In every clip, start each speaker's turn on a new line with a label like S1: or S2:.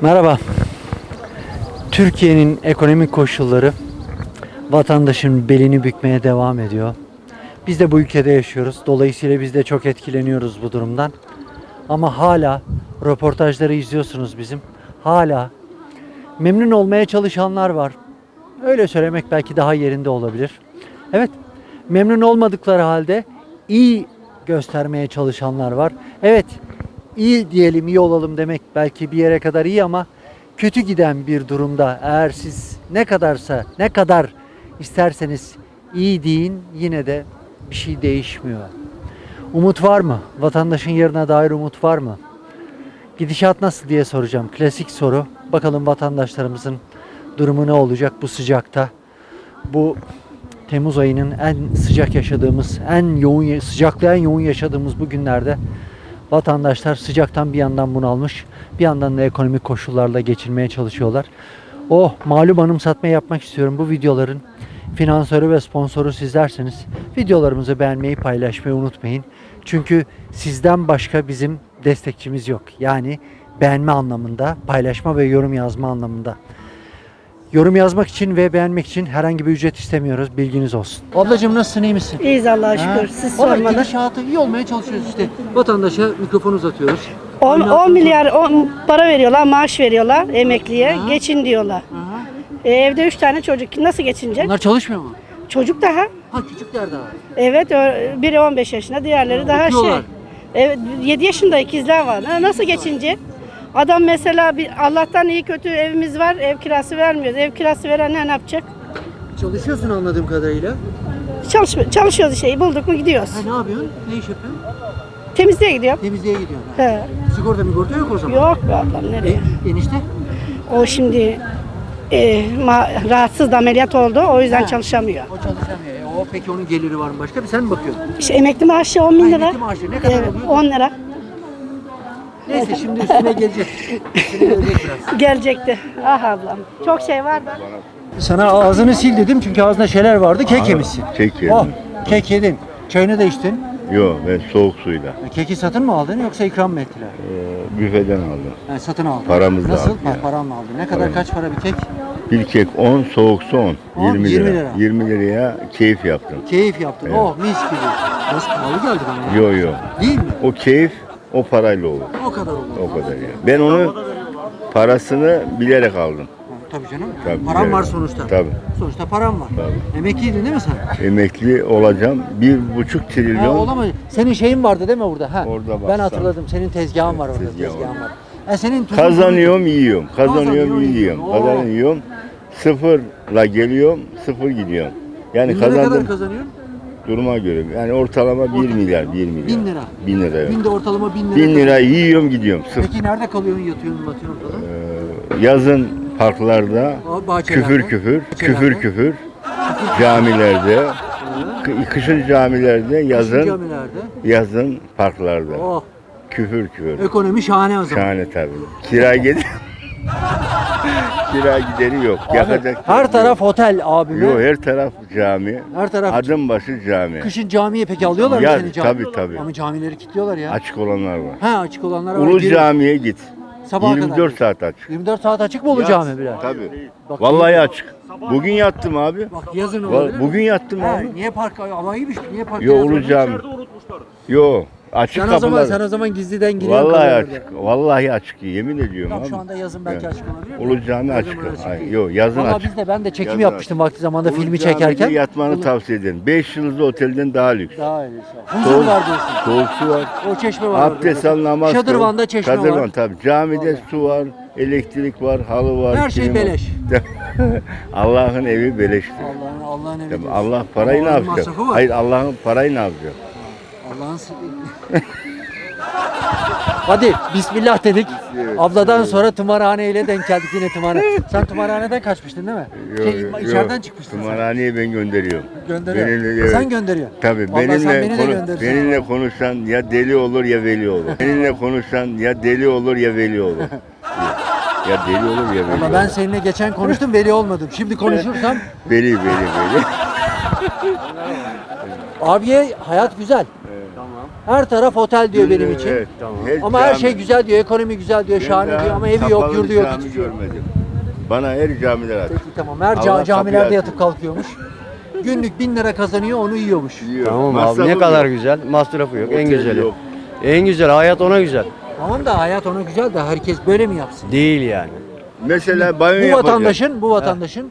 S1: Merhaba. Türkiye'nin ekonomik koşulları vatandaşın belini bükmeye devam ediyor. Biz de bu ülkede yaşıyoruz. Dolayısıyla biz de çok etkileniyoruz bu durumdan. Ama hala röportajları izliyorsunuz bizim. Hala memnun olmaya çalışanlar var. Öyle söylemek belki daha yerinde olabilir. Evet, memnun olmadıkları halde iyi göstermeye çalışanlar var. Evet, iyi diyelim, iyi olalım demek belki bir yere kadar iyi ama kötü giden bir durumda eğer siz ne kadar isterseniz iyi deyin yine de bir şey değişmiyor. Umut var mı? Vatandaşın yarına dair umut var mı? Gidişat nasıl diye soracağım. Klasik soru. Bakalım vatandaşlarımızın durumu ne olacak bu sıcakta? Bu Temmuz ayının en sıcak yaşadığımız, sıcaklığı en yoğun yaşadığımız bu günlerde vatandaşlar sıcaktan bir yandan bunalmış, bir yandan da ekonomik koşullarla geçirmeye çalışıyorlar. Malum anımsatma yapmak istiyorum. Bu videoların finansörü ve sponsoru sizlersiniz. Videolarımızı beğenmeyi, paylaşmayı unutmayın. Çünkü sizden başka bizim destekçimiz yok. Yani beğenme anlamında, paylaşma ve yorum yazma anlamında. Yorum yazmak için ve beğenmek için herhangi bir ücret istemiyoruz. Bilginiz olsun. Ablacığım nasılsın, iyi misin?
S2: İyiyiz Allah'a şükür. Siz
S1: Vallahi
S2: sormalı.
S1: gidişatı iyi olmaya çalışıyoruz işte. Vatandaşa mikrofon uzatıyoruz.
S2: 10 milyar para veriyorlar, maaş veriyorlar emekliye.
S1: Ha.
S2: Geçin diyorlar.
S1: Aha.
S2: Evde 3 tane çocuk. Nasıl geçinecek?
S1: Bunlar çalışmıyor mu?
S2: Çocuk daha.
S1: Ha, küçükler daha.
S2: Evet, biri 15 yaşında, diğerleri daha
S1: okuyorlar.
S2: Evet, 7 yaşında ikizler var. Nasıl geçinecek? Adam mesela Allah'tan iyi kötü evimiz var, ev kirası vermiyoruz. Ev kirası veren ne yapacak?
S1: Çalışıyorsun anladığım kadarıyla.
S2: Çalışıyoruz işte, bulduk mu gidiyoruz.
S1: Ha, ne yapıyorsun? Ne iş yapıyorsun?
S2: Temizliğe gidiyorum.
S1: Temizliğe gidiyorsun.
S2: He.
S1: Sigorta yok o zaman.
S2: Yok be ablam, nereye?
S1: Enişte?
S2: O şimdi rahatsız da ameliyat oldu. O yüzden
S1: Ha.
S2: çalışamıyor.
S1: O çalışamıyor. Peki onun geliri var mı başka? Sen mi bakıyorsun?
S2: İşte emekli maaşı 10 bin lira.
S1: Emekli maaşı ne kadar
S2: Evet,
S1: oluyor?
S2: 10 lira.
S1: Neyse şimdi üstüne gelecek. Üstüne gelecek biraz.
S2: Gelecekti. Ah ablam. Çok şey var da.
S1: Sana ağzını sil dedim çünkü ağzında şeyler vardı. Kek yemişsin.
S3: Kek yedim.
S1: Kek yedin. Çayını da içtin.
S3: Yok, ben soğuk suyla.
S1: Keki satın mı aldın yoksa ikram mı ettiler?
S3: Büfeden aldım.
S1: Satın aldın.
S3: Paramızla
S1: Nasıl?
S3: aldık ya.
S1: Paramla aldın. Ne kadar, kaç para bir kek?
S3: Bir kek 10, soğuk su 10.
S1: 10,
S3: 20
S1: 20
S3: lira.
S1: lira.
S3: 20 liraya keyif yaptım.
S1: Keyif yaptın.
S3: Evet.
S1: Mis gibi. Nasıl pahalı geldi bana ya?
S3: Yok.
S1: Değil mi?
S3: O keyif o parayla olur.
S1: O kadar olur.
S3: O kadar ya. Ben onu parasını bilerek aldım.
S1: Tabii canım.
S3: Tabii,
S1: Param
S3: evet.
S1: var sonuçta.
S3: Tabii.
S1: Sonuçta param var.
S3: Tabii.
S1: Emekliydin değil mi sen?
S3: Emekli olacağım. 1,5 trilyon.
S1: Olamaz. Senin şeyin vardı değil mi burada? Ha.
S3: Orada
S1: Ben
S3: baksana.
S1: hatırladım. Senin tezgahın var orada.
S3: Tezgahım
S1: Tezgahın
S3: var.
S1: var. Senin tuzun
S3: Kazanıyorum, yiyorum.
S1: Kazanıyorum,
S3: Kazanıyorum, yiyorum.
S1: yiyorsun.
S3: Kazanıyorum. Sıfırla geliyorum, sıfır gidiyorum. Yani
S1: Günde ne kadar
S3: kazandım.
S1: kazanıyorsun?
S3: Duruma göre. Yani ortalama 1 milyar, 1 milyar.
S1: 1000 lira.
S3: 1000 lira evet.
S1: Günde ortalama 1000 lira.
S3: 1000 lira yiyorum gidiyorum. Sıfır.
S1: Peki nerede kalıyorsun? Yatıyorsun, batıyorsun falan?
S3: Yazın parklarda,
S1: Bahçelerde.
S3: küfür küfür,
S1: Bahçelerde.
S3: küfür küfür, camilerde, kışın camilerde,
S1: Yazın.
S3: yazın parklarda.
S1: Oh.
S3: Küfür küfür.
S1: Ekonomi şahane o zaman.
S3: Şahane tabii. Kira gideri kira gideri yok. Yakacak
S1: Her
S3: yok.
S1: taraf otel abime.
S3: Yok, her taraf cami.
S1: Her taraf.
S3: Adım başı cami.
S1: Kışın camiye peki alıyorlar mı
S3: Ya,
S1: seni cami?
S3: tabii.
S1: Ama camileri kilitliyorlar ya.
S3: Açık olanlar var.
S1: Ha, açık olanlara var.
S3: Ulu
S1: Gir-
S3: camiye git.
S1: Sabaha kadar.
S3: 24 saat açık.
S1: 24 saat açık mı Ulu cami bile?
S3: Tabii.
S1: Bak,
S3: Vallahi açık. Bugün yattım abi.
S1: Bak yazın olabilir mi?
S3: Bugün yattım
S1: Ha,
S3: abi.
S1: niye park? Ama iyiymiş. Niye park?
S3: Yo,
S1: yazmadın?
S3: Ulu cami. Yo, açık kapılar.
S1: Sen o zaman gizliden giriyorsun.
S3: Vallahi
S1: kalıyorsun
S3: açık. Vallahi açık. Yemin ediyorum
S1: Tamam,
S3: abi.
S1: şu anda yazın belki
S3: Evet.
S1: açık olabilir.
S3: Ulu cami
S1: Her
S3: açık.
S1: zaman
S3: Ay,
S1: değil.
S3: yo, yazın
S1: Valla
S3: açık.
S1: ben de çekim
S3: Yazın
S1: yapmıştım vakti zamanda
S3: Ulu
S1: filmi
S3: camide
S1: çekerken.
S3: yatmanı tavsiye ederim. 5 yıldızlı otelden daha lüks.
S1: Daha iyi. Huzur var diyorsun.
S3: Soğuk su var.
S1: O çeşme var.
S3: Abdest al, namaz kıl.
S1: Şadırvan'da çeşme
S3: Şadırvan
S1: var.
S3: tabii. Camide
S1: Vallahi.
S3: su var, elektrik var, halı var.
S1: Her şey
S3: kilim var.
S1: beleş.
S3: Allah'ın evi beleştir.
S1: Allah'ın evi
S3: Tabii
S1: diyorsun.
S3: Allah parayı ne
S1: Allah'ın
S3: yapacak?
S1: masrafı var.
S3: Hayır, Allah'ın parayı ne yapacak?
S1: Allah'ın Hadi bismillah dedik. Abladan sonra tımarhaneyle denk geldik yine tımarhane. Sen tımarhaneden kaçmıştın değil mi? İçeriden çıkmıştın sen.
S3: Tımarhaneye ben gönderiyorum.
S1: Gönderiyor.
S3: Evet.
S1: Sen gönderiyorsun.
S3: Tabii
S1: Vallahi sen beni de
S3: benimle
S1: gönderirsin.
S3: benimle konuşan ya deli olur ya veli olur. Benimle konuşan ya deli olur ya veli olur. Ya deli olur ya veli
S1: Ama
S3: olur.
S1: ben seninle geçen konuştum veli olmadım. Şimdi konuşursam
S3: Veli.
S1: abiye hayat güzel. Her taraf otel diyor benim için.
S3: Evet, tamam.
S1: Ama her şey güzel diyor, ekonomi güzel diyor, şahane diyor ama evi yok, yurdu yok.
S3: Cami
S1: hiçbir şey yok.
S3: görmedim. Bana her camiler aç.
S1: Peki tamam. Her
S3: Allah
S1: camilerde
S3: kapıyı
S1: yatıp kalkıyormuş. Günlük 1000 lira kazanıyor, onu yiyormuş.
S3: Yiyor.
S4: Tamam
S3: Masrafı
S4: abi ne
S3: yok.
S4: kadar güzel. Masrafı yok. En
S3: Otel
S4: güzeli.
S3: yok.
S4: En güzel. Hayat ona güzel.
S1: Tamam da hayat ona güzel de herkes böyle mi yapsın?
S4: Değil yani.
S3: Mesela banyo
S1: Bu
S3: yapacak.
S1: vatandaşın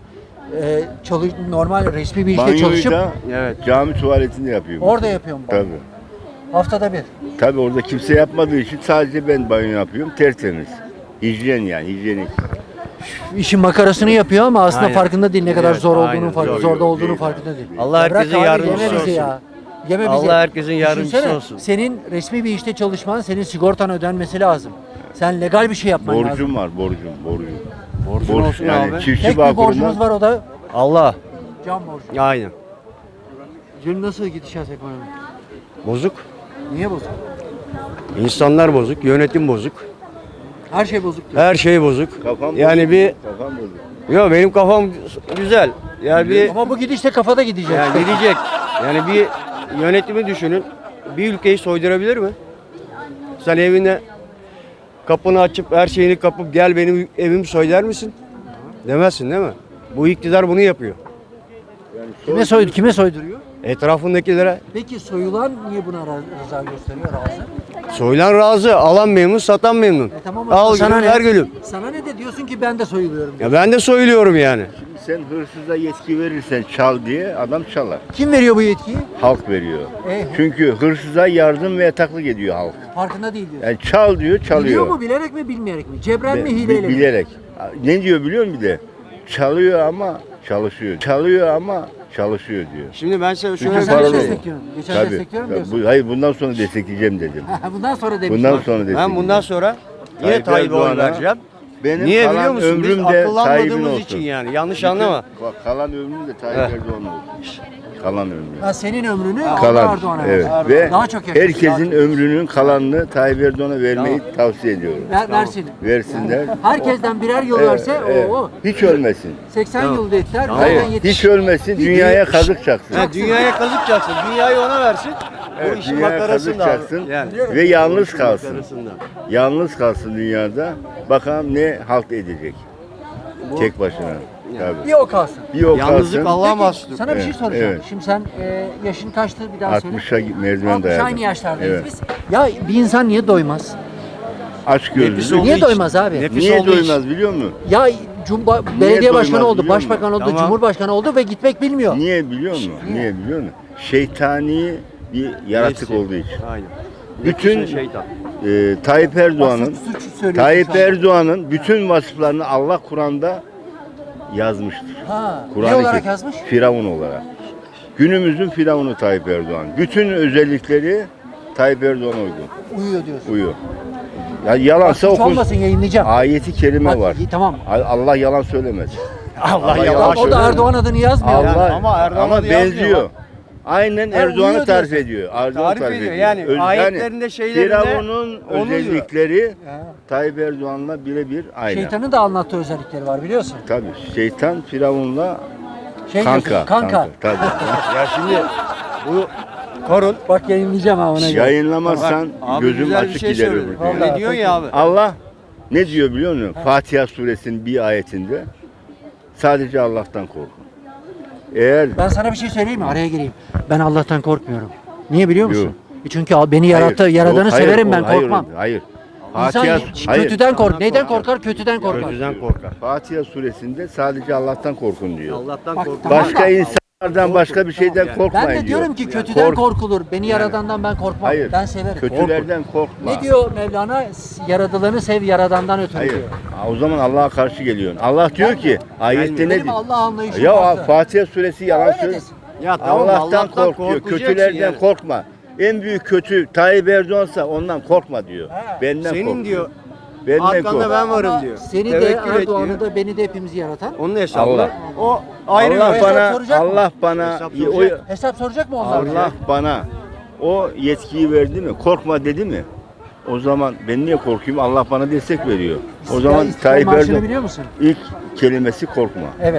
S1: normal resmi bir işte
S3: Banyoyu
S1: çalışıp
S3: da
S4: Evet.
S3: cami tuvaletinde yapıyor.
S1: orada yapıyorum ben.
S3: Tabii.
S1: Haftada bir.
S3: Tabii orada kimse yapmadığı için sadece ben banyo yapıyorum. Tertemiz. Hijyen yani, hijyenik.
S1: İşin makarasını yapıyor ama aslında
S4: Aynen.
S1: farkında değil ne kadar
S4: Evet,
S1: zor
S4: aynen.
S1: olduğunu
S3: Zor
S1: zorda
S3: yok,
S1: olduğunu
S3: değil
S1: farkında
S3: abi.
S1: değil.
S4: Allah
S1: Ya bırak
S4: herkesin
S1: abi,
S4: yardımcısı
S1: yeme bizi
S4: olsun.
S1: ya. Yeme bizi.
S4: Allah herkesin yardımcısı
S1: Düşünsene,
S4: olsun.
S1: senin resmi bir işte çalışman, senin sigortan ödenmesi lazım. Sen legal bir şey yapman lazım.
S3: Borcum var, borcum.
S4: Borcun
S3: Borç
S4: olsun
S3: yani
S4: abi.
S3: çiftçi
S1: Tek bir
S3: bağkurundan
S1: borcumuz var, o da
S4: Allah.
S1: can borcu.
S4: Aynen.
S1: Canım nasıl gidişat ekonomi?
S4: Bozuk.
S1: Niye bozuk?
S4: İnsanlar bozuk. Yönetim bozuk.
S1: Her şey bozuk diyor.
S4: Her şey bozuk.
S3: kafam
S4: Yani
S3: bozuk,
S4: bir
S3: kafam bozuk.
S4: Yo benim kafam güzel. Yani bir
S1: Ama bu gidişte kafada gidecek.
S4: yani gidecek. Yani bir yönetimi düşünün. Bir ülkeyi soydurabilir mi? Sen evine kapını açıp her şeyini kapıp gel benim evimi soy der misin? Demezsin değil mi? Bu iktidar bunu yapıyor.
S1: Kime soyduruyor?
S4: Etrafındakilere
S1: Peki soyulan niye buna rıza gösteriyor, razı?
S4: soyulan razı, alan memnun, satan memnun.
S1: Tamam,
S4: Al
S1: sana
S4: gülüm,
S1: ne?
S4: ver gülüm.
S1: Sana ne de diyorsun ki ben de soyuluyorum.
S4: Ya ben de soyuluyorum yani.
S3: Sen hırsıza yetki verirsen çal diye adam çalar.
S1: Kim veriyor bu yetkiyi?
S3: Halk veriyor.
S1: E,
S3: Çünkü hırsıza yardım ve yataklık ediyor halk.
S1: farkında değil diyor.
S3: Yani çal diyor, çalıyor.
S1: Biliyor mu, bilerek mi, bilmeyerek mi? Cebren mi,
S3: Bi-
S1: hileyle mi?
S3: bilerek. Ne diyor biliyor musun bir de? Çalıyor ama çalışıyor. Çalıyor ama çalışıyor diyor.
S4: Şimdi ben size şöyle
S1: Geçen
S4: bir
S1: sene
S3: paralı
S4: şey
S3: olur.
S4: söyleyeyim.
S1: destekliyorum. Geçen
S3: Tabii.
S1: destekliyorum
S3: Tabii.
S1: diyorsun.
S3: Hayır bundan sonra destekleyeceğim dedim.
S1: Bundan sonra demiş.
S3: Bundan
S1: bak.
S3: sonra destekleyeceğim.
S4: Ben bundan sonra yine
S3: Tayyip
S4: Tayyip'e oy
S3: Erdoğan'a
S4: vereceğim.
S3: Benim
S4: Niye
S3: kalan
S4: biliyor musun? Biz
S3: ömrüm de Tayyip'in
S4: akıllanmadığımız
S3: olsun.
S4: için yani. Yanlış
S3: Bütün-
S4: anlama.
S3: Bak, kalan ömrüm de Tayyip
S4: Evet.
S3: Erdoğan olsun. Kalan ömrüm.
S1: Ha, senin ömrünü
S3: Kalan.
S1: Erdoğan'a
S3: Evet.
S1: ver.
S3: Ve
S1: Daha çok yaşasın,
S3: herkesin
S1: daha çok.
S3: ömrünün kalanını Tayyip Erdoğan'a vermeyi tavsiye ediyorum.
S1: Versin.
S3: Versinler.
S1: Herkesten birer yıl verse o.
S3: Hiç ölmesin.
S1: 80
S4: Tamam.
S1: yıl dediler.
S4: Tamam.
S1: Zaten
S3: Hiç
S1: 70.
S3: ölmesin, dünyaya kazık çaksın.
S4: Ha, dünyaya kazık çaksın. Dünyayı ona versin.
S3: Evet,
S4: Bu işin
S3: dünyaya kazık
S4: makarasında
S3: çaksın
S4: abi. Yani.
S3: ve yalnız kalsın.
S4: Makarasında.
S3: Yalnız kalsın dünyada. Bakalım ne halt edecek. Tek başına. Tabii.
S1: Bir o kalsın.
S3: Bir o
S4: Yalnızlık
S3: kalsın.
S4: Allah'a
S1: Peki,
S4: mahsustur.
S1: sana bir şey
S3: Evet,
S1: soracağım.
S3: evet.
S1: Şimdi sen yaşın kaçtı bir daha söyle.
S3: 60'a merdiven
S1: 60
S3: dayadım.
S1: aynı yaşlardayız
S3: Evet.
S1: biz. Ya bir insan niye doymaz?
S3: Aç
S4: Nefis
S3: gözlü.
S4: olduğu
S1: Niye
S4: için.
S1: doymaz abi?
S4: Nefis
S3: Niye
S4: olduğu için.
S3: doymaz biliyor musun?
S1: Ya belediye başkanı
S3: doymaz
S1: oldu,
S3: biliyor musun?
S1: başbakan oldu,
S4: Tamam.
S1: cumhurbaşkanı oldu ve gitmek bilmiyor.
S3: Niye biliyor musun? Niye biliyor musun? Şeytani bir yaratık
S4: Nefsi.
S3: olduğu için.
S4: Aynen.
S3: Bütün
S4: Nefis ve şeytan.
S3: Tayyip Erdoğan'ın
S1: Suç söylüyorsun
S3: Tayyip
S1: sen.
S3: Erdoğan'ın bütün vasıflarını Allah Kur'an'da yazmıştır.
S1: Ha, ne
S3: Kur'an-ı
S1: olarak
S3: Kerim,
S1: yazmış?
S3: Firavun olarak. Günümüzün Firavunu Tayyip Erdoğan. Bütün özellikleri Tayyip Erdoğan'a uygun.
S1: Uyuyor diyorsun.
S3: Uyuyor. Ya yalansa
S1: Bak, hiç
S3: okun.
S1: olmasın, yayınlayacağım.
S3: Ayeti kerime
S1: Bak,
S3: var.
S1: tamam.
S3: Allah yalan söylemez.
S4: Allah
S3: yalan
S4: yalan
S1: Bak, o da
S4: söylüyor.
S1: Erdoğan adını yazmıyor.
S3: Allah
S4: Yani ama Erdoğan'a da yazmıyor
S3: benziyor.
S4: bak.
S3: Aynen
S1: Ha,
S3: Erdoğan'ı
S1: uyuyor
S3: tarif
S1: diyorsun.
S3: ediyor. Erdoğan'ı
S4: Tarif ediyor. Yani ayetlerinde, şeylerinde
S3: Firavun'un
S4: onu diyor.
S3: özellikleri
S1: Ha.
S3: Tayyip Erdoğan'la birebir aynı.
S1: Şeytanın da anlattığı özellikleri var biliyorsun.
S3: Tabii şeytan Firavun'la
S1: Şey
S3: kanka.
S1: diyorsun, kanka.
S3: Tabii.
S4: Ya şimdi bu korun.
S1: Bak yayınlayacağım ha ona göre.
S3: Yayınlamazsan
S4: Abi
S3: gözüm
S4: güzel bir
S3: açık
S4: şey
S3: gider
S4: söyledin.
S3: öbür
S1: Vallahi.
S3: dünya.
S4: Ne diyorsun ya abi?
S3: Allah ne diyor biliyor musun? Fatiha suresinin bir ayetinde sadece Allah'tan korkun. Eğer
S1: Ben sana bir şey söyleyeyim mi? Araya gireyim. Ben Allah'tan korkmuyorum. Niye biliyor musun?
S3: Yok.
S1: Çünkü beni yarattı,
S3: Hayır,
S1: yaradanı
S3: yok, hayır,
S1: severim ben,
S3: hayır,
S1: korkmam.
S3: Hayır.
S1: İnsan
S3: Hayır.
S1: kötüden kork. Neyden korkar? Kötüden korkar.
S4: Kötüden korkar.
S3: Fatiha suresinde sadece Allah'tan korkun diyor.
S4: Allah'tan
S1: Bak,
S4: korkar.
S1: tamam.
S3: Başka insanlardan başka bir şeyden korkmayın
S1: Ben de
S3: diyor.
S1: diyorum ki kötüden
S3: Kork-
S1: korkulur. Beni yaradandan ben korkmam.
S3: Hayır.
S1: Ben severim.
S3: Kötülerden korkma.
S1: Ne diyor Mevlana? Yaradılanı sev, yaradandan ötürü
S3: Hayır.
S1: diyor.
S3: O zaman Allah'a karşı geliyorsun. Allah diyor ki ayette ne
S1: Benim
S3: diyor?
S1: Allah anlayışım
S3: Ya
S1: farklı.
S3: Fatiha suresi yalan
S1: Öyle
S3: söylüyor.
S1: desin.
S4: Ya tamam
S3: Allah'tan kork diyor.
S4: korkacaksın
S3: Kötülerden
S4: yani.
S3: korkma. En büyük kötü Tayyip Erdoğan'sa ondan korkma diyor.
S1: He.
S3: Benden
S4: Senin
S3: kork.
S4: diyor.
S3: Benden
S4: Arkanda
S3: kork.
S4: ben varım
S1: Ama
S4: diyor.
S1: Seni de
S4: Tevekkül et
S1: Erdoğan'ı
S4: diyor.
S1: da beni de hepimizi yaratan.
S4: Onun hesabı.
S3: Allah.
S4: O ayrı
S3: Allah
S4: bir
S3: bana
S1: soracak mı?
S3: Allah bana
S4: Hesap
S3: o,
S4: soracak.
S1: Hesap soracak mı onlar?
S3: Allah bana o yetkiyi verdi mi? Korkma dedi mi? O zaman ben niye korkayım? Allah bana destek veriyor. O zaman
S1: İstiklal
S3: Tayyip
S1: Marşı'nı
S3: Erdoğan
S1: biliyor musun?
S3: ilk kelimesi korkma.
S1: Evet.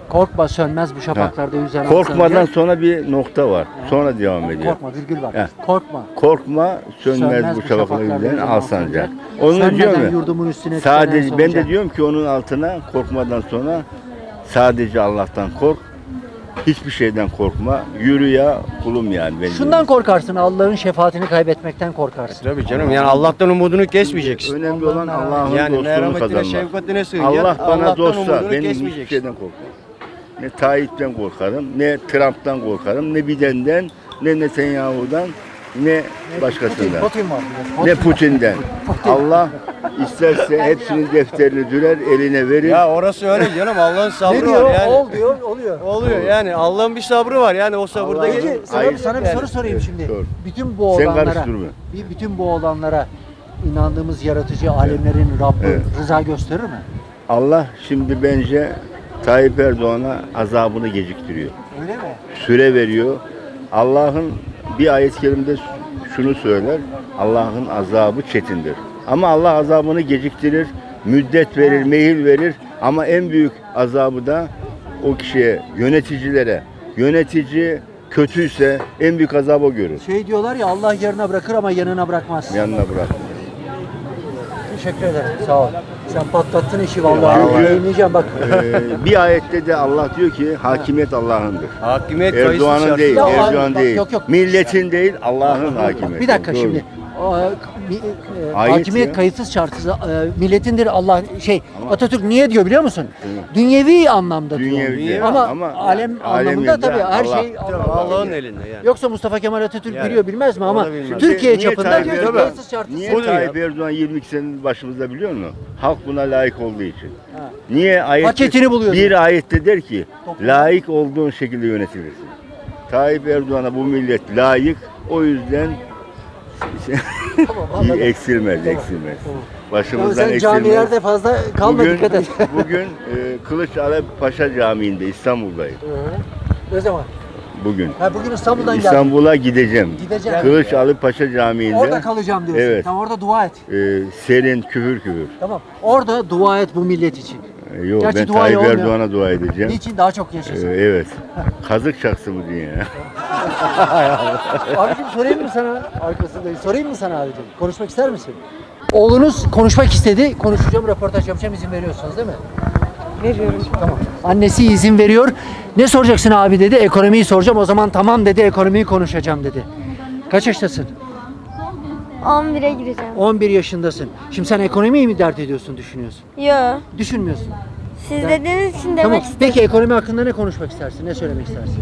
S1: Korkma sönmez bu şafaklarda yüzen
S3: Korkmadan
S1: aslan.
S3: sonra bir nokta var. Sonra devam ediyor.
S1: Korkma virgül var.
S3: He.
S1: Korkma.
S3: Korkma sönmez bu şafaklarda yüzen al sancak. Onu diyor
S1: Sönmeden
S3: mu?
S1: yurdumun üstüne
S3: Sadece
S1: tütenen
S3: ben de
S1: solucan.
S3: diyorum ki onun altına korkmadan sonra sadece Allah'tan kork. Hiçbir şeyden korkma. Yürü ya kulum yani. Ben
S1: Şundan korkarsın, Allah'ın şefaatini kaybetmekten korkarsın.
S4: Tabii canım, yani Allah'tan umudunu kesmeyeceksin.
S3: önemli olan Allah'ın
S4: Yani
S3: dostluğunu
S4: merhametine,
S3: kazanmak.
S4: şefkatine sığınacaksın.
S3: Allah bana
S4: Allah'tan
S3: dostsa
S4: umudunu
S3: benim hiçbir
S4: kesmeyeceksin.
S3: şeyden korkmam. Ne Tayyip'ten korkarım, ne Trump'tan korkarım, ne Biden'den, ne Netanyahu'dan, ne başkasından.
S1: Putin var.
S3: Ne Putin'den. Allah isterse hepsinin defterini dürer, eline verir.
S4: Ya orası öyle canım, Allah'ın sabrı
S1: Ne diyor?
S4: var yani.
S1: Ol diyor, oluyor.
S4: Oluyor yani, Allah'ın bir sabrı var yani, o sabırda
S3: Allah'ın-
S4: gelir.
S1: Peki
S3: Hayır.
S1: sana bir
S4: Yani.
S1: soru sorayım
S3: Evet,
S1: şimdi.
S3: sor.
S1: Bütün bu
S3: Sen
S1: olanlara,
S3: karıştırma.
S1: bütün bu olanlara inandığımız yaratıcı alemlerin Rabbi
S3: Evet.
S1: rıza gösterir mi?
S3: Allah şimdi bence Tayyip Erdoğan'a azabını geciktiriyor.
S1: Öyle mi?
S3: Süre veriyor. Allah'ın bir ayet-i kerimede şunu söyler. Allah'ın azabı çetindir. Ama Allah azabını geciktirir, müddet verir, mehil verir. Ama en büyük azabı da o kişiye, yöneticilere. Yönetici kötüyse en büyük azabı o görür.
S1: Şey diyorlar ya, Allah yarına bırakır ama yanına bırakmaz.
S3: Yanına bırak.
S1: Teşekkür ederim. Sağ ol. Sen patlattın işi vallahi.
S3: Vallahi.
S1: Yayınlayacağım bak.
S3: Bir ayette de Allah diyor ki hakimiyet Allah'ındır.
S4: Hakimiyet kayıtsız
S3: Erdoğan'ın
S4: şartsız.
S3: değil,
S1: Ya,
S3: Erdoğan
S1: bak,
S3: değil.
S1: yok, yok.
S3: Milletin değil, Allah'ın hakimiyeti.
S1: Bir dakika
S3: Doğru.
S1: şimdi.
S3: Ayet
S1: Hakimiyet
S3: ya.
S1: kayıtsız şartsız milletindir Allah Atatürk niye diyor biliyor musun? Dünyevi anlamda diyor.
S3: Dünyevi
S1: Ama alem anlamında tabii her
S3: Allah.
S1: şey
S4: Allah'ın elinde yani.
S1: Yoksa Mustafa Kemal Atatürk
S4: Yani.
S1: biliyor bilmez mi
S4: O
S1: ama
S4: da bilmez.
S1: Türkiye
S3: Niye
S1: çapında
S3: Tayyip
S1: diyor ki
S3: Erdoğan-
S1: kayıtsız şartsız.
S3: Niye
S4: Budur ya.
S3: Tayyip Erdoğan 22 senedir başımızda biliyor musun? Halk buna layık olduğu için.
S1: Ha.
S3: Niye ayette,
S1: Paketini buluyor.
S3: bir ayette der ki layık olduğun şekilde yönetilirsin. Tayyip Erdoğan'a bu millet layık. O yüzden
S1: Tamam, anladım.
S3: eksilmez,
S1: Tamam.
S3: eksilmez.
S1: Tamam.
S3: Başımızdan
S1: Sen
S3: eksilmez.
S1: camilerde fazla kalma,
S3: Bugün,
S1: dikkat et.
S3: bugün Kılıçdaroğlu Paşa Camii'nde İstanbul'dayım.
S1: Ne zaman?
S3: Bugün.
S1: Ha, bugün İstanbul'dan geldim.
S3: İstanbul'a gideceğim.
S1: Gideceğim.
S3: Kılıçdaroğlu Paşa Camii'nde.
S1: Orada kalacağım diyorsun.
S3: Evet.
S1: Tamam, orada dua et.
S3: Serin, küfür küfür.
S1: Tamam. Orada dua et bu millet için.
S3: Yok,
S1: Gerçi
S3: ben
S1: duayı
S3: Tayyip
S1: olmuyor.
S3: Erdoğan'a dua edeceğim.
S1: Niçin daha çok yaşasın?
S3: Evet. Kazık çaksın mı diye ya.
S1: Abicim sorayım mı sana? Arkasındayım. Sorayım mı sana abicim? Konuşmak ister misin? Oğlunuz konuşmak istedi. Konuşacağım, röportaj yapacağım. İzin veriyorsunuz değil mi?
S2: Veriyorum.
S1: Tamam. Annesi izin veriyor. Ne soracaksın abi dedi. Ekonomiyi soracağım. O zaman tamam dedi. Ekonomiyi konuşacağım dedi. Kaç yaştasın?
S5: 11'e gireceğim.
S1: 11 yaşındasın. Şimdi sen ekonomiyi mi dert ediyorsun, düşünüyorsun?
S5: Yo.
S1: Düşünmüyorsun.
S5: Siz dediğiniz için demek
S1: Tamam.
S5: istedim.
S1: Peki ekonomi hakkında ne konuşmak istersin? Ne söylemek istersin?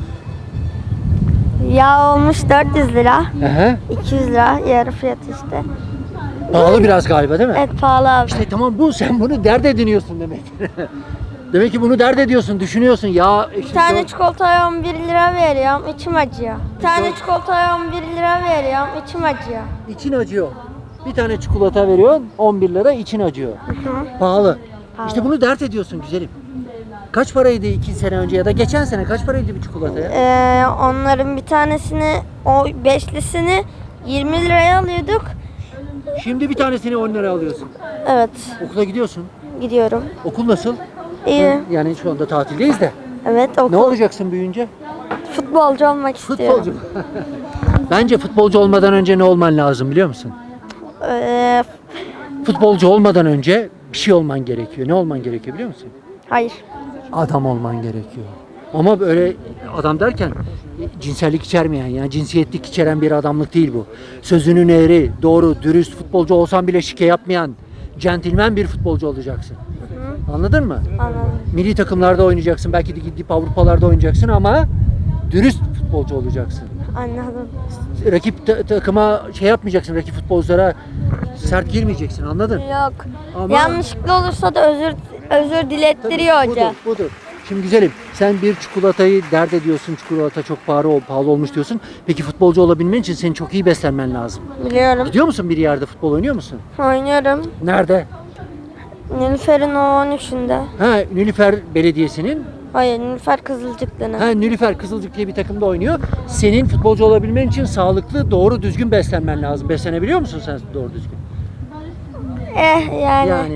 S5: Yağ olmuş 400 lira.
S1: Aha.
S5: 200 lira yarı fiyatı işte.
S1: Pahalı biraz galiba değil mi?
S5: Evet pahalı abi.
S1: İşte tamam, bu sen bunu dert ediniyorsun demek. Demek ki bunu dert ediyorsun, düşünüyorsun. Ya
S5: Bir tane çikolataya 11 lira veriyorum, içim acıyor. Bir tane çikolataya 11 lira veriyorum, içim acıyor.
S1: için acıyor. Bir tane çikolata veriyorsun 11 lira, için acıyor. Pahalı.
S5: Pahalı.
S1: İşte bunu dert ediyorsun güzelim. Kaç paraydı 2 sene önce ya da geçen sene kaç paraydı bir çikolataya?
S5: Onların bir tanesini, o beşlisini 20 liraya alıyorduk.
S1: Şimdi bir tanesini 10 lira alıyorsun.
S5: Evet,
S1: Okula gidiyorsun.
S5: gidiyorum.
S1: Okul nasıl?
S5: İyi.
S1: Yani şu anda tatildeyiz de.
S5: Evet,
S1: Ne
S5: okul.
S1: olacaksın büyüyünce?
S5: Futbolcu olmak istiyorum.
S1: Futbolcu. Bence futbolcu olmadan önce ne olman lazım biliyor musun?
S5: Ee,
S1: Futbolcu olmadan önce bir şey olman gerekiyor. Ne olman gerekiyor biliyor musun?
S5: hayır.
S1: Adam olman gerekiyor. Ama böyle adam derken cinsellik içermeyen, yani cinsiyetlik içeren bir adamlık değil bu. Sözünün eğri, doğru, dürüst, futbolcu olsan bile şike yapmayan, centilmen bir futbolcu olacaksın. Anladın mı?
S5: Anladım.
S1: Milli takımlarda oynayacaksın, belki de gidip Avrupalarda oynayacaksın ama dürüst futbolcu olacaksın.
S5: Anladım.
S1: Rakip takıma şey yapmayacaksın, rakip futbolculara sert girmeyeceksin, anladın?
S5: Yok.
S1: Ama-
S5: Yanlışlıkla olursa da özür dilettiriyor
S1: Tabii,
S5: hoca.
S1: Budur. Şimdi güzelim, sen bir çikolatayı dert ediyorsun, çikolata çok pahalı olmuş diyorsun. Peki futbolcu olabilmen için senin çok iyi beslenmen lazım.
S5: Biliyorum.
S1: Gidiyor musun bir yerde, futbol oynuyor musun?
S5: Oynuyorum.
S1: Nerede?
S5: Nilüfer'in o 13'ünde.
S1: Ha, Nilüfer Belediyesi'nin,
S5: Hayır, Nilüfer Kızılcıklı'nın.
S1: ha Nilüfer Kızılcık diye bir takımda oynuyor. Senin futbolcu olabilmen için sağlıklı, doğru düzgün beslenmen lazım. Beslenebiliyor musun sen doğru düzgün?
S5: Yani.
S1: Yani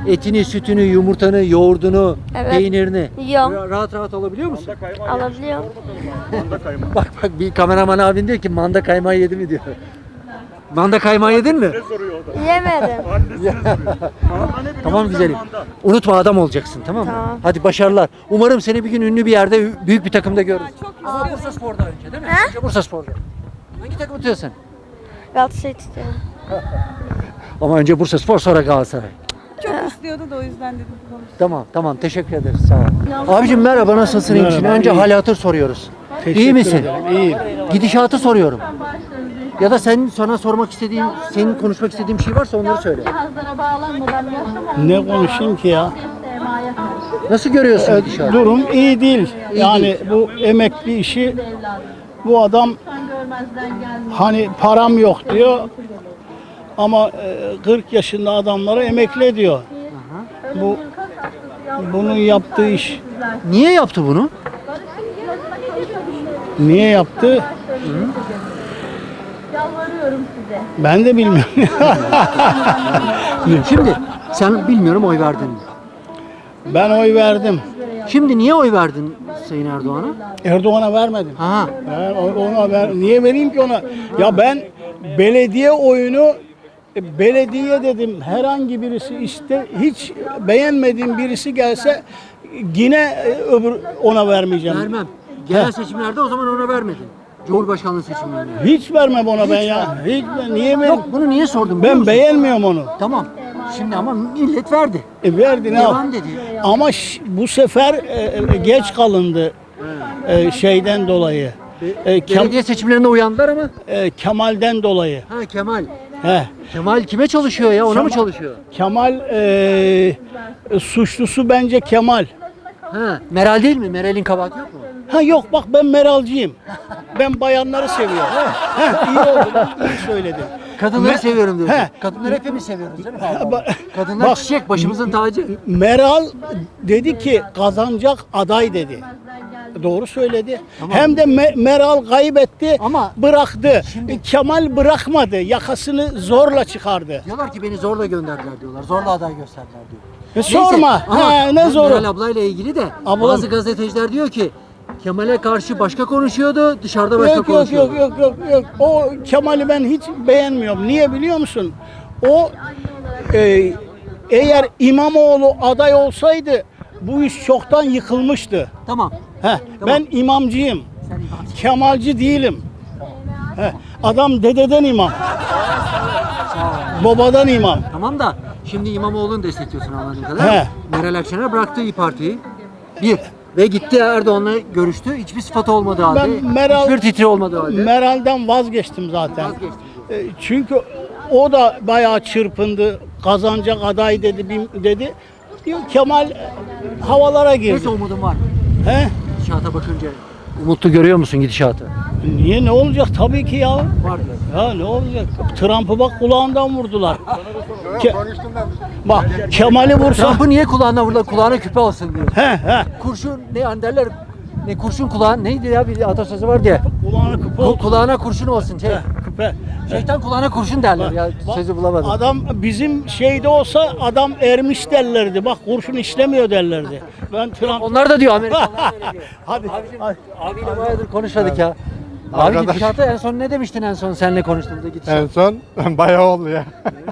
S1: Etini, sütünü, yumurtanı, yoğurdunu,
S5: Evet.
S1: peynirini
S5: Yiyorum.
S1: rahat rahat alabiliyor musun?
S5: Alabiliyorum.
S1: Bak bir kameraman abin diyor ki manda kaymağı yedi mi diyor. Manda kaymağı yedin mi?
S5: Yemedim.
S1: Tamam güzelim. Unutma adam olacaksın, tamam mı?
S5: Tamam.
S1: Hadi başarılar. Umarım seni bir gün ünlü bir yerde, büyük bir takımda görürüz. Ama Bursa Spor'da önce değil mi? Önce Bursa Spor'da. Hangi takımı tutuyorsun?
S5: Galatasaray tutuyorum.
S1: Ama önce Bursa Spor, sonra Galatasaray.
S6: Çok istiyordu da o yüzden dedim konuş.
S1: Tamam teşekkür ederiz, sağ ol. Abicim merhaba, nasılsın, iyi misin? Önce hal hatır soruyoruz. İyi misin?
S7: İyiyim.
S1: Gidişatı soruyorum. Ya da sana sormak istediğim, senin konuşmak istediğin bir şey varsa onları söyle.
S7: Ne konuşayım ki ya?
S1: Nasıl görüyorsun gidişatı?
S7: Durum iyi değil.
S1: İyi
S7: Yani
S1: değil.
S7: bu emekli işi, bu adam hani param yok diyor ama 40 yaşında adamları emekli ediyor. Bunun yaptığı iş
S1: Niye yaptı bunu?
S7: niye yaptı? Ben de bilmiyorum.
S1: Şimdi sen bilmiyorum oy verdin mi?
S7: Ben oy verdim.
S1: Şimdi niye oy verdin Sayın Erdoğan'a?
S7: Erdoğan'a vermedim.
S1: Ha.
S7: Ben niye vereyim ki ona? Ya ben belediye oyunu belediye dedim, herhangi birisi işte hiç beğenmediğim birisi gelse yine öbür ona vermeyeceğim.
S1: Vermem. Genel seçimlerde o zaman ona vermedin. Cumhurbaşkanlığı seçimlerinde.
S7: Hiç vermem ona ben ya. Hiç niye vereyim?
S1: Yok, bunu niye sordum biliyor
S7: Ben
S1: musun?
S7: beğenmiyorum onu.
S1: Tamam. Şimdi ama millet verdi.
S7: Verdi ne
S1: Devam
S7: yap?
S1: dedi.
S7: Ama bu sefer geç kalındı şeyden dolayı.
S1: Belediye seçimlerinde uyandılar ama.
S7: Kemal'den dolayı.
S1: Ha Kemal.
S7: He.
S1: Kemal kime çalışıyor ya? Ona mı çalışıyor?
S7: Kemal suçlusu bence Kemal.
S1: Ha, Meral değil mi? Meral'in kabahati yok mu?
S7: Ha yok bak ben Meralcıyım. Ben bayanları seviyorum. İyi oldu. İyi söyledin.
S1: Kadınları seviyorum diyorsun.
S7: He.
S1: Kadınları hepimiz seviyoruz değil mi?
S7: Ba-
S1: Kadınlar
S7: bak,
S1: çiçek, başımızın tacı.
S7: Meral dedi ki kazanacak aday dedi. Doğru söyledi. Hem de Meral kaybetti,
S1: Ama
S7: bıraktı.
S1: şimdi-
S7: Kemal bırakmadı. Yakasını zorla çıkardı.
S1: Diyorlar ki beni zorla gönderdiler diyorlar. Zorla aday gösterdiler diyor.
S7: Sorma.
S1: Ama
S7: Ha, ne
S1: bu
S7: zoru?
S1: Meral ablayla ilgili de
S7: Ablam-
S1: bazı gazeteciler diyor ki Kemal'e karşı başka konuşuyordu, dışarıda başka
S7: Yok yok
S1: konuşuyordu.
S7: yok. O Kemal'i ben hiç beğenmiyorum. Niye biliyor musun? O eğer İmamoğlu aday olsaydı bu iş çoktan yıkılmıştı.
S1: Tamam.
S7: Ben imamcıyım.
S1: Sen imamsın.
S7: Kemalci değilim. Adam dededen imam. Babadan imam.
S1: Tamam da şimdi İmamoğlu'nu destekliyorsun anladığım kadar.
S7: He.
S1: Meral Akşener bıraktı İYİ Parti'yi. Bir. Ve gitti Erdoğan'la görüştü. Hiçbir sıfatı olmadığı halde. Hiçbir titri olmadığı halde.
S7: Meral'den vazgeçtim zaten.
S1: Vazgeçti.
S7: Çünkü o da bayağı çırpındı. Kazanacak aday dedi. Diyor Kemal havalara girdi.
S1: Neyse umudum var.
S7: He?
S1: Gidişata bakınca. Umutlu görüyor musun gidişatı?
S7: Niye ne olacak tabii ki ya.
S1: Var diyor.
S7: Ya ne olacak? Trump'ı bak kulağından vurdular. Bak Kemal'i vursa
S1: Trump'ı niye kulağına vurdular? Kulağına küpe alsın diyor.
S7: he
S1: Kurşun ne hani derler? Ne kurşun kulağın neydi ya bir atasözü var diye.
S7: kulağına küpe olsun.
S1: Kulağına kurşun olsun.
S7: Küpe.
S1: Şeytan kulağına kurşun derler ya.
S7: Bak,
S1: Sözü bulamadım.
S7: Adam bizim şeyde olsa adam ermiş derlerdi. Bak kurşun işlemiyor derlerdi. Ben Trump
S1: Onlar da diyor Amerikalılar öyle diyor.
S7: hadi.
S1: Abiyle bayağıdır konuşmadık ya. Abi gidişatı en son ne demiştin en son seninle konuştuğumuzda gidişat?
S8: En son bayağı oldu ya.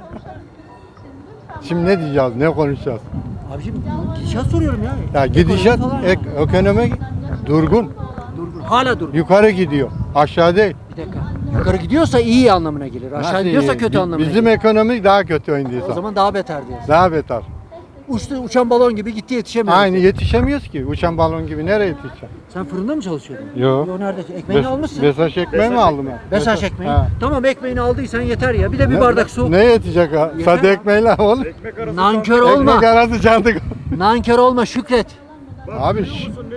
S8: Şimdi ne diyeceğiz, ne konuşacağız?
S1: Abiciğim gidişat soruyorum ya.
S8: Ya gidişat,
S1: Ekonomi falan ya.
S8: ekonomi durgun,
S1: Durgun. Hala durgun.
S8: yukarı gidiyor, aşağı değil.
S1: Bir dakika. Yukarı gidiyorsa iyi anlamına gelir. Aşağı
S8: Nasıl
S1: gidiyorsa
S8: iyi?
S1: kötü anlamına
S8: Bizim
S1: gelir.
S8: ekonomi daha kötü
S1: O
S8: oynadıysa.
S1: zaman daha beter diyorsun.
S8: Daha beter.
S1: Uçan balon gibi gitti yetişemiyor.
S8: Aynı yetişemiyoruz ki. Uçan balon gibi nereye yetişeceğim?
S1: Sen fırında mı çalışıyordun?
S8: Yok.
S1: Yo nerede? Ekmeğini almışsın.
S8: Besaç ekmeği mi aldım ben?
S1: Besaç ekmeği.
S8: Ha.
S1: Tamam ekmeğini aldıysan yeter ya. Bir de bir bardak su.
S8: Ne yetecek ha?
S1: Yeter.
S8: Sade ekmeğiyle olur.
S1: Nankör olma.
S8: Ekmek arası cantık.
S1: Nankör olma Şükret.
S8: Abi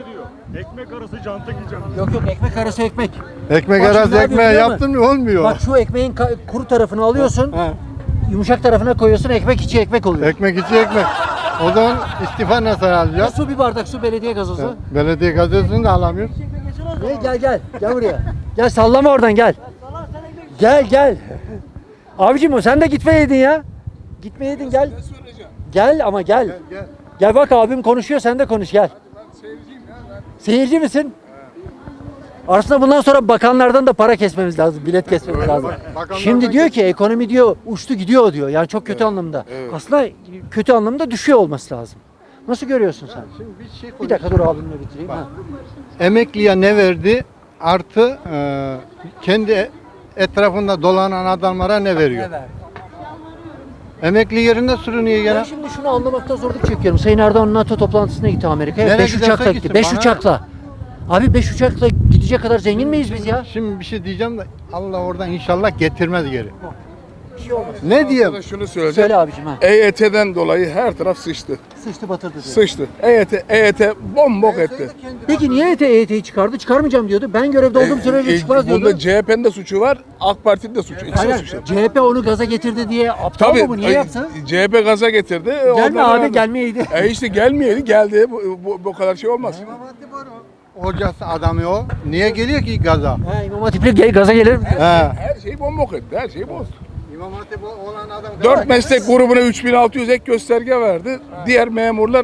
S1: Yok ekmek arası ekmek.
S8: ekmek
S1: Bak şimdi
S8: arası
S1: ne yapıyor
S8: ekmeği
S1: biliyor musun?
S8: yaptın mı olmuyor.
S1: Bak şu ekmeğin kuru tarafını alıyorsun.
S8: Ha.
S1: Yumuşak tarafına koyuyorsun ekmek içi ekmek oluyor.
S8: Ekmek içi ekmek. O zaman istifa nasıl
S1: Ya
S8: alacağız?
S1: su bir bardak su belediye gazozu.
S8: Belediye gazetesini de alamıyoruz.
S1: Gel. Gel buraya. Gel sallama oradan gel. Gel. Abicim sen de gitmeyeydin ya. Gitmeyeydin gel. Gel ama gel. Gel bak abim konuşuyor sen de konuş gel. Seyirci misin? Aslında bundan sonra bakanlardan da para kesmemiz lazım, bilet kesmemiz lazım. Şimdi diyor ki ekonomi diyor uçtu gidiyor diyor. Yani çok kötü anlamda. Aslında kötü anlamda düşüyor olması lazım. Nasıl görüyorsun sen? Bir dakika dur abimle bitireyim. Ha.
S8: Emekliye ne verdi? Artı kendi etrafında dolanan adamlara ne veriyor?
S1: Ne verdi?
S8: Emekli yerinde sürünüyor
S1: Ben
S8: gene.
S1: şimdi şunu anlamakta zorluk çekiyorum. Sayın Erdoğan NATO toplantısına gitti Amerika'ya.
S8: Nereye
S1: 5
S8: giderse
S1: uçakla
S8: gitsin,
S1: gitti. 5
S8: bana-
S1: uçakla. Abi 5 uçakla gidecek kadar zengin miyiz biz ya?
S8: Şimdi bir şey diyeceğim de Allah oradan inşallah getirmez geri.
S1: Bir şey olmaz.
S8: Ne diyeyim?
S9: Şunu söyleyeceğim.
S1: Söyle abicim ha.
S9: EYT'den dolayı her taraf sıçtı.
S1: Sıçtı batırdı diyor.
S9: Sıçtı. EYT bombok etti.
S1: Peki niye EYT'yi çıkardı? Çıkarmayacağım diyordu. Ben görevde olduğum sürece çıkmaz diyordu.
S9: Bunda CHP'nin de suçu var, AK Parti'nin de suçu. İkisi de
S1: Hayır,
S9: suçu.
S1: CHP onu gaza getirdi diye aptal
S9: Tabii
S1: mı bu? Niye yaptı?
S9: CHP gaza getirdi.
S1: Gelme
S9: ondan
S1: abi
S9: verdi.
S1: gelmeyeydi.
S9: İşte gelmeyeydi, geldi. Bu kadar şey olmaz.
S8: Hocası adamı o. Niye geliyor ki gaza?
S1: Ha, İmam Hatip'le gaza gelir mi?
S8: He.
S9: Her şeyi bombok etti, her şeyi bozdu.
S8: İmam Hatip olan adam.
S9: 4 meslek grubuna 3600 ek gösterge verdi. Diğer memurlar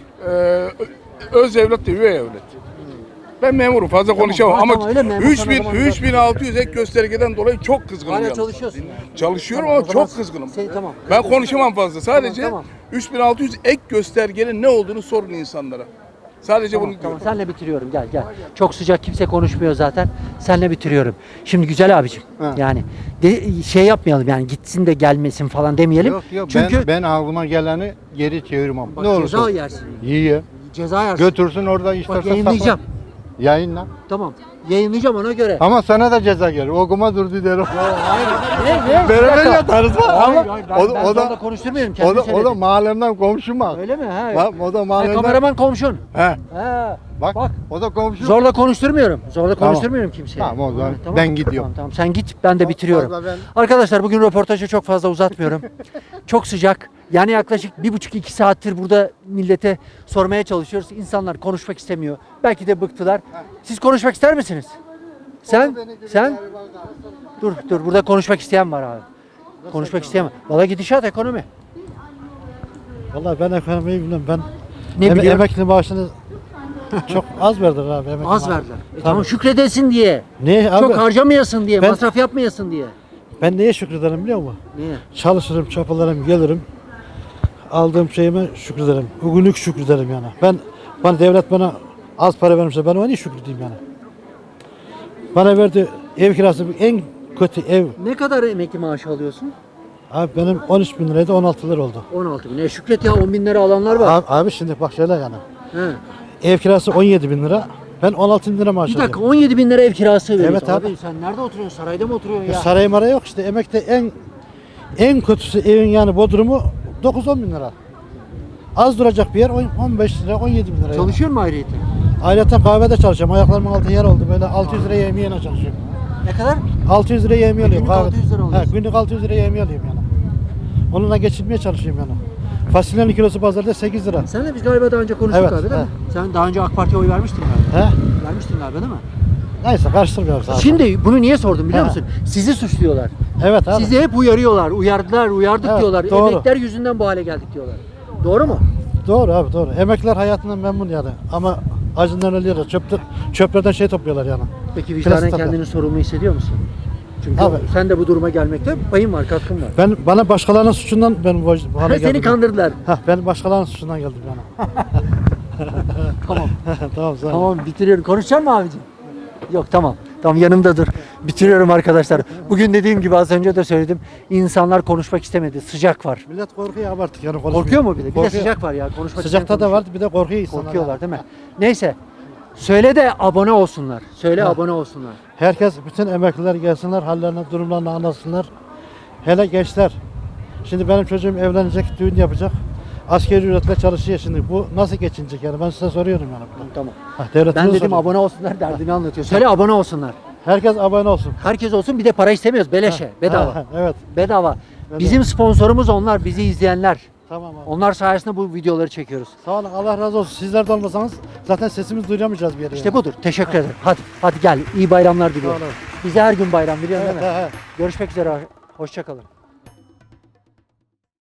S9: öz evlat değil, üvey evlat. Ben memurum fazla konuşamam
S1: tamam,
S9: ama
S1: öyle memur sana o zaman
S9: 3600 ek göstergeden dolayı çok kızgınım.
S1: Hala
S9: yalnız.
S1: çalışıyorsun. Yani.
S9: Çalışıyorum
S1: Tamam,
S9: ama
S1: o zaman
S9: çok kızgınım.
S1: Tamam.
S9: Ben konuşamam fazla. Sadece
S1: Tamam.
S9: 3600 ek göstergenin ne olduğunu sorun insanlara. Sadece
S1: Tamam,
S9: bunu
S1: tamam.
S9: diyorum.
S1: Senle bitiriyorum. Gel gel. Çok sıcak kimse konuşmuyor zaten. Senle bitiriyorum. Şimdi güzel abicim.
S8: Ha.
S1: Yani şey yapmayalım yani gitsin de gelmesin falan demeyelim.
S8: Yok yok
S1: Çünkü
S8: ben aklıma geleni geri çevirmem.
S1: bak,
S8: Ne olursa.
S1: ceza yersin.
S8: Yiye.
S1: Ceza yersin.
S8: Götürsün orada
S1: Bak
S8: istersen
S1: yayınlayacağım.
S8: sakla. Yayınla.
S1: Tamam. Yayınlayacağım ona göre.
S8: Ama sana da ceza gelir. Okuma durdu derim.
S1: Ne?
S8: Beraber yatarız bak
S1: Hayır,
S8: ama
S1: hayır, ben
S8: o
S1: zorla
S8: da
S1: konuşturmuyorum.
S8: o
S1: Kendi
S8: da, o da mahallemden komşum bak.
S1: Öyle mi? Ha.
S8: Bak o da mahallemden.
S1: Kameraman komşun.
S8: He.
S1: Ha.
S8: Bak,
S1: Bak.
S8: o da komşum.
S1: Zorla konuşturmuyorum. Zorla
S8: Tamam.
S1: konuşturmuyorum kimseye.
S8: Tamam, o zaman
S1: Ha,
S8: ben gidiyorum.
S1: Tamam, tamam sen git ben de bitiriyorum.
S8: Fazla ben-
S1: Arkadaşlar bugün röportajı çok fazla uzatmıyorum. Çok sıcak. Yani yaklaşık 1,5-2 saattir burada millete sormaya çalışıyoruz. İnsanlar konuşmak istemiyor. Belki de bıktılar. Siz konuşmak ister misiniz? Sen? Dur burada konuşmak isteyen var abi. Konuşmak isteyen var. Valla gidişat ekonomi.
S7: Vallahi ben ekonomiyi bilmem. Ben
S1: Ne biliyorum?
S7: emekli maaşını çok az verdiler abi. Emekli
S1: Az
S7: maaşı.
S1: verdiler. Tamam şükredesin diye.
S7: Niye abi?
S1: Çok harcamayasın diye,
S7: Ben-
S1: masraf yapmayasın diye.
S7: Ben neye şükrederim biliyor musun?
S1: Niye?
S7: Çalışırım, çapalarım, gelirim. Aldığım şeyime şükrederim. Bugünlük şükrederim yani. Bana devlet bana az para vermişse ben ona niye şükredeyim yani? Bana verdi ev kirası en kötü ev.
S1: Ne kadar emekli maaşı alıyorsun?
S7: Abi benim 13 bin liraydı 16 lira oldu.
S1: 16 bin. Şükret ya 10 bin lira alanlar var.
S7: Abi şimdi bak şöyle yani.
S1: He.
S7: Ev kirası 17 bin lira. Ben 16 bin lira maaş
S1: Bir dakika
S7: alıyorum.
S1: 17 bin lira ev kirası veriyorsun.
S7: Evet abi.
S1: Sen nerede oturuyorsun? Sarayda mı oturuyorsun ya?
S7: Saray mara yok işte. Emekte en kötüsü evin yani bodrumu 9-10 bin lira. Az duracak bir yer 15 lira 17 bin lira.
S1: Çalışıyor mu ayrıyeten?
S7: Ayrıca kahvede çalışıyorum. Ayaklarımın altı yer oldu. Böyle 600 liraya yemeğine çalışıyorum.
S1: Ne kadar?
S7: 600 liraya yemeği alıyorum.
S1: Günlük
S7: kahvede.
S1: 600 lira alıyorsun.
S7: He, günlük 600 liraya yemeği alıyorum yani. Onunla geçinmeye çalışıyorum yani. Fasulyenin kilosu pazarda 8 lira.
S1: Sen de biz galiba daha önce konuştuk
S7: Evet,
S1: abi değil mi?
S7: he.
S1: Sen daha önce AK Parti'ye oy vermiştin galiba.
S7: He?
S1: Vermiştin galiba değil mi?
S7: Neyse karıştırmıyorum zaten.
S1: Şimdi bunu niye sordum biliyor
S7: He.
S1: musun? Sizi suçluyorlar.
S7: Evet abi.
S1: Sizi hep uyarıyorlar. Uyardık
S7: Evet,
S1: diyorlar.
S7: doğru.
S1: Emekler yüzünden bu hale geldik diyorlar. Doğru mu?
S7: Doğru abi doğru. Emekliler hayatından memnun yani. Ama acından ölüyorlar. Çöplerden şey topluyorlar yani.
S1: Peki vicdanen
S7: Plastik
S1: kendini sorumlu hissediyor musun? Çünkü
S7: Abi.
S1: sen de bu duruma gelmekte payın var, katkın var.
S7: Bana başkalarının suçundan ben bu hale geldim.
S1: Seni kandırdılar.
S7: Ben başkalarının suçundan geldim yani.
S1: Tamam.
S7: Tamam sağ ol.
S1: Tamam bitiriyorum. Konuşacak mı abicim? Yok tamam. Tamam yanımda dur. Bitiriyorum arkadaşlar. Bugün dediğim gibi az önce de söyledim. İnsanlar konuşmak istemedi. Sıcak var.
S7: Millet korkuyor abi artık yani konuşmuyor.
S1: Korkuyor mu bir de? Bir de
S7: Korkuyor.
S1: sıcak var ya. Konuşmak
S7: Sıcakta
S1: isteyen
S7: da vardı bir de korkuyor insanlar.
S1: korkuyorlar değil mi? Neyse. Söyle de abone olsunlar. Söyle abone olsunlar.
S7: Herkes, bütün emekliler gelsinler, hallerini, durumlarını anlatsınlar. Hele gençler. Şimdi benim çocuğum evlenecek, düğün yapacak. Asgari ücretle çalışıyor şimdi. Bu nasıl geçinecek yani? Ben size soruyorum yani.
S1: Tamam.
S7: Devletimize
S1: Ben dedim
S7: soruyorum.
S1: abone olsunlar derdini anlatıyor. Söyle abone olsunlar.
S7: Herkes abone olsun.
S1: Herkes olsun bir de para istemiyoruz. Beleşe. Bedava.
S7: Evet.
S1: Bedava. Bizim sponsorumuz onlar. Bizi izleyenler.
S7: Tamam abi.
S1: Onlar sayesinde bu videoları çekiyoruz.
S7: Sağ olun. Allah razı olsun. Sizler de olmasanız zaten sesimizi duyuramayacağız bir yere.
S1: İşte budur. Teşekkür ederim. Hadi gel. İyi bayramlar diliyorum.
S7: Sağ olun.
S1: Bize her gün bayram biliyorsun
S7: Evet,
S1: değil mi?
S7: he, he.
S1: Görüşmek üzere. Hoşça kalın.